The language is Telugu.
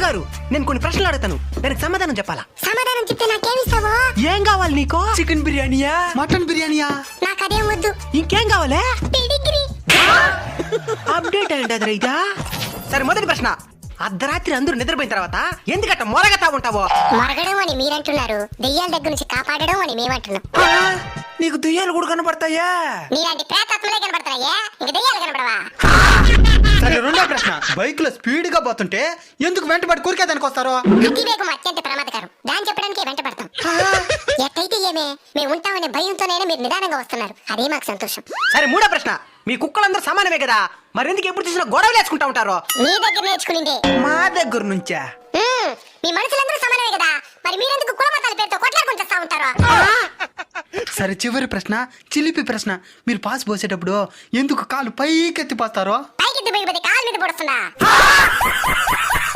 గురుగారు నేను కొన్ని ప్రశ్నలు అడుగుతాను, దానికి సమాధానం చెప్పాలా? సమాధానం చెప్తే నాకేమిస్తావో? ఏం కావాలి నీకు? చికెన్ బిర్యానీయా, మటన్ బిర్యానీయా? నాకు అదేం వద్దు. ఇంకేం కావాలి? పెడిగ్రీ. అప్డేట్ అయ్యండి అది రైతా. సరే మొదటి ప్రశ్న, అర్ధరాత్రి అందరూ నిద్రపోయిన తర్వాత ఎందుకట్ట మొరగతా ఉంటావో? మొరగడం అని మీరంటున్నారు, దెయ్యాల దగ్గర నుంచి కాపాడడం అని మేమంటున్నాం. నీకు దెయ్యాలు కూడా కనపడతాయా? నీలాంటి ప్రేతాత్మలే కనబడతాయా, ఇంక దెయ్యాలు కనబడవా? సరే రెండో ప్రశ్న, బైక్ లో స్పీడ్ గా పోతుంటే ఎందుకు వెంటబడి కూరికేదానికి వస్తారో? అతివేగం అత్యంత ప్రమాదకరం, దాన్ని చెప్పడానికే వెంట పడతాం. ఎట్టయితే ఏమే, మేము ఉంటామనే భయంతోనైనా మీరు నిదానంగా వస్తున్నారు, అదే మాకు సంతోషం. సరే మూడో ప్రశ్న, మీ కుక్కలందరూ సమానమే కదా, మరి ఎందుకు ఎప్పుడు చూసినా గొడవలు వేసుకుంటా ఉంటారో? మీ దగ్గర నేర్చుకునిందే. మా దగ్గర నుంచా? మీ మనుషులందరూ సమానమే కదా, మరి మీరెందుకు కులమతాల పేరుతో కొట్లాడుకుంటూ వస్తా ఉంటారు? సరే చివరి ప్రశ్న, చిలిపి ప్రశ్న, మీరు పాస్ పోసేటప్పుడు ఎందుకు కాలు పైకెత్తి పోస్తారో? పైకి పోయిపోతే కాలు మీద పడుతుందా?